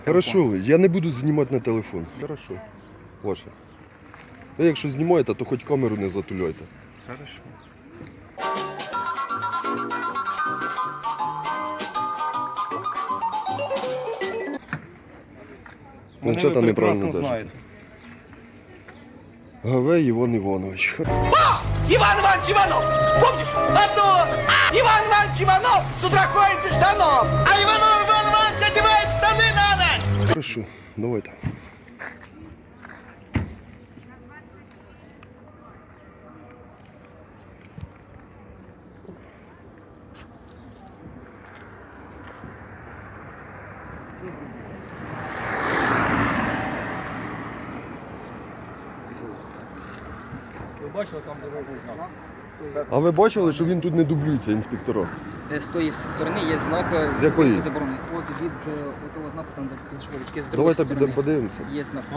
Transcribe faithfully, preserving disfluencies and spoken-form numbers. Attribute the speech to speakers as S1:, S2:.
S1: Хорошо, я не буду знімати на телефон. Хорошо. Ваше. Ви якщо знімаєте, то хоч камеру не затуляйте.
S2: Хорошо.
S1: Планшета неправильно
S2: прекрасно
S1: держите.
S2: знають.
S1: Гавей Іван Іванович.
S3: Иван Иванович Иванов! Помнишь? А то Иван Иванович Иванов с утра ходит без штанов, а Иванов Иван Иванович одевает штаны на ночь!
S1: Хорошо, давайте.
S4: Ви бачили, там дорогу знак?
S1: А ви бачили, що він тут не дублюється, інспектора?
S4: З тої сторони є знак
S1: З якої?
S4: заборони. От від е, того знаку, там де пішли, з другої
S1: Давайте
S4: сторони
S1: підемо подивимося.
S4: є знак.